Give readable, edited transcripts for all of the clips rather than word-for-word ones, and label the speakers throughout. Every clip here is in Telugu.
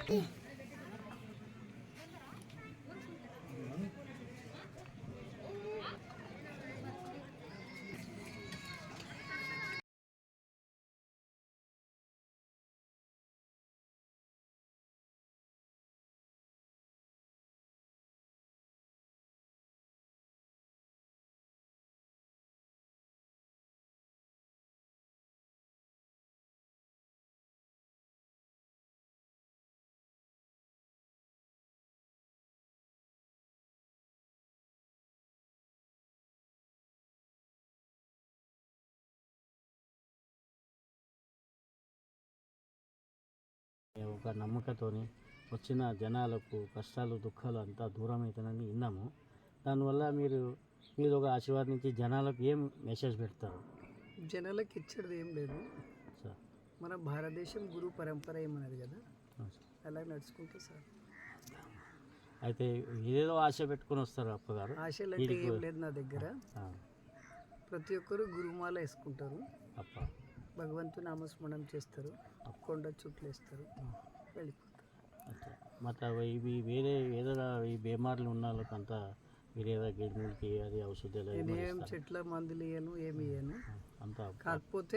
Speaker 1: ఒక నమ్మకంతోని వచ్చిన జనాలకు కష్టాలు దుఃఖాలు అంతా దూరం అవుతానని విన్నాము. దానివల్ల మీరు ఒక ఆశీర్వాదించి జనాలకు ఏం మెసేజ్ పెడతారు?
Speaker 2: జనాలకు ఇచ్చేది ఏం లేదు
Speaker 1: సార్.
Speaker 2: మన భారతదేశం గురు పరంపర ఏమన్నది కదా, అలా నడుచుకుంటే సార్.
Speaker 1: అయితే ఏదో ఆశ పెట్టుకొని వస్తారు అప్పగారు?
Speaker 2: ఆశలు అంటే ఏం లేదు నా దగ్గర. ప్రతి ఒక్కరు గురుమాల వేసుకుంటారు,
Speaker 1: అప్ప
Speaker 2: భగవంతు నామస్మరణం చేస్తారు, కొండ చుట్లు వేస్తారు, వెళ్ళిపోతారు.
Speaker 1: మరి ఇవి వేరే ఏదైనా ఈ బీమార్లు ఉన్న వాళ్ళకంతా మీరు ఏదో గిడ్మిల్కి అది ఔషధాలు
Speaker 2: ఏం చెట్ల మందులు ఇయ్యను, ఏమి ఇయ్యను.
Speaker 1: అంతా
Speaker 2: కాకపోతే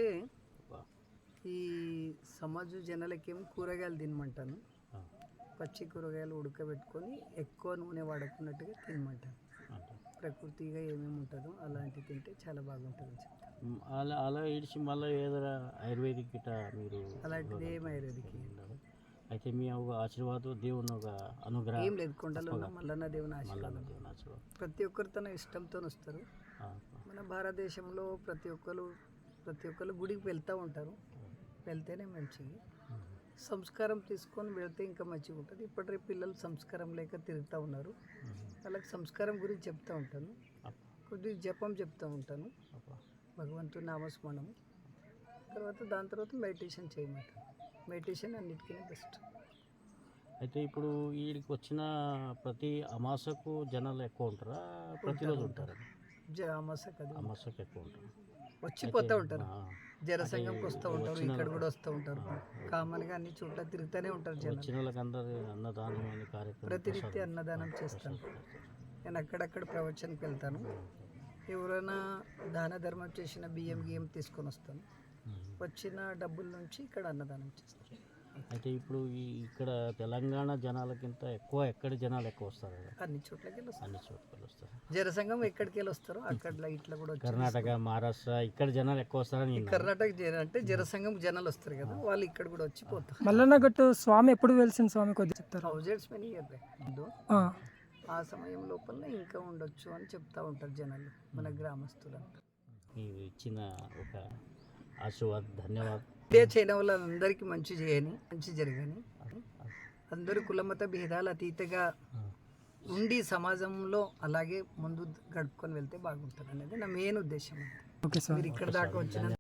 Speaker 2: ఈ సమాజ జనాలకేమో కూరగాయలు తినమంటాను. పచ్చి కూరగాయలు ఉడకబెట్టుకొని ఎక్కువ నూనె వాడుకున్నట్టుగా తినమంటాను. ప్రకృతిగా ఏమేమి ఉంటుందో అలాంటివి తింటే చాలా బాగుంటుంది.
Speaker 1: అలా ఇడిచి మళ్ళీ ఏదైనా ఆయుర్వేదిక్ గిట్ట మీరు
Speaker 2: అలాంటిది ఏమి ఆయుర్వేదిక్
Speaker 1: అయితే మీ ఒక ఆశీర్వాదం దేవుని ఒక అనుగ్రహం
Speaker 2: ఏం లేదు. కొండలో ఉన్న మల్లన్న దేవుని ఆశీర్వాదం. ప్రతి ఒక్కరు తన ఇష్టంతో వస్తారు. మన భారతదేశంలో ప్రతి ఒక్కరు గుడికి వెళ్తూ ఉంటారు. వెళ్తేనే మంచిది. సంస్కారం తీసుకొని వెళ్తే ఇంకా మంచిగా ఉంటుంది. ఇప్పటి పిల్లలు సంస్కారం లేక తిరుగుతూ ఉన్నారు. వాళ్ళకి సంస్కారం గురించి చెప్తూ ఉంటాను. కొద్దిగా జపం చెప్తూ ఉంటాను, భగవంతుని నామస్మరణం. దాని తర్వాత మెడిటేషన్ చేయమంటాను. మెడిటేషన్ అన్నిటికీ బెస్ట్.
Speaker 1: అయితే ఇప్పుడు వీడికి వచ్చిన ప్రతి అమాసకు జనాలు ఎక్కువ ఉంటారా? ప్రతిరోజు ఉంటారా? అమాసకు ఎక్కువ ఉంటారు,
Speaker 2: వచ్చిపోతూ ఉంటారు. జనసంఘంకి వస్తూ ఉంటారు, ఇక్కడ కూడా వస్తూ ఉంటారు. కామన్గా అన్ని చోట్ల తిరుగుతూనే ఉంటారు జనాలు.
Speaker 1: వచ్చిన వాళ్ళకందరూ అన్నదానం అనే కార్యక్రమం
Speaker 2: ప్రతినిత్యం అన్నదానం చేస్తాను. నేను అక్కడక్కడ ప్రవచనకి వెళ్తాను. ఎవరైనా దాన ధర్మం చేసిన బియ్యం తీసుకొని వస్తాను. వచ్చిన డబ్బుల నుంచి ఇక్కడ అన్నదానం చేస్తాను.
Speaker 1: అయితే ఇప్పుడు ఇక్కడ తెలంగాణ జనాలకింత ఎక్కువ ఎక్కడి జనాలు ఎక్కువ వస్తారు?
Speaker 2: అన్ని చోట్లకి
Speaker 1: వస్తారు.
Speaker 2: జనసంఘం ఎక్కడికి వెళ్ళి వస్తారు, అక్కడ ఇట్లా కూడా
Speaker 1: కర్ణాటక, మహారాష్ట్ర ఇక్కడ జనాలు ఎక్కువ వస్తారని.
Speaker 2: కర్ణాటక అంటే జనసంఘం జనాలు వస్తారు కదా, వాళ్ళు ఇక్కడ కూడా వచ్చిపోతారు.
Speaker 3: మల్లన్నగట్టు స్వామి ఎప్పుడు వెలిసిన స్వామి కొద్దిగా చెప్తారు?
Speaker 2: 1000 many years ఆ సమయం లోపల ఇంకా ఉండొచ్చు అని చెప్తా ఉంటారు జనాలు, మన గ్రామస్తులంతా.
Speaker 1: మీరు ఇచ్చిన ఒక ఆశీర్వాదం ధన్యవాదాలు.
Speaker 2: ఇదే చేయడం వల్ల అందరికీ మంచి జరగని, అందరూ కులమత భేదాలు అతీతంగా ఉండి సమాజంలో అలాగే ముందు గడుపుకొని వెళ్తే బాగుంటుంది అనేది నా మెయిన్ ఉద్దేశం. మీరు ఇక్కడ దాకా వచ్చిన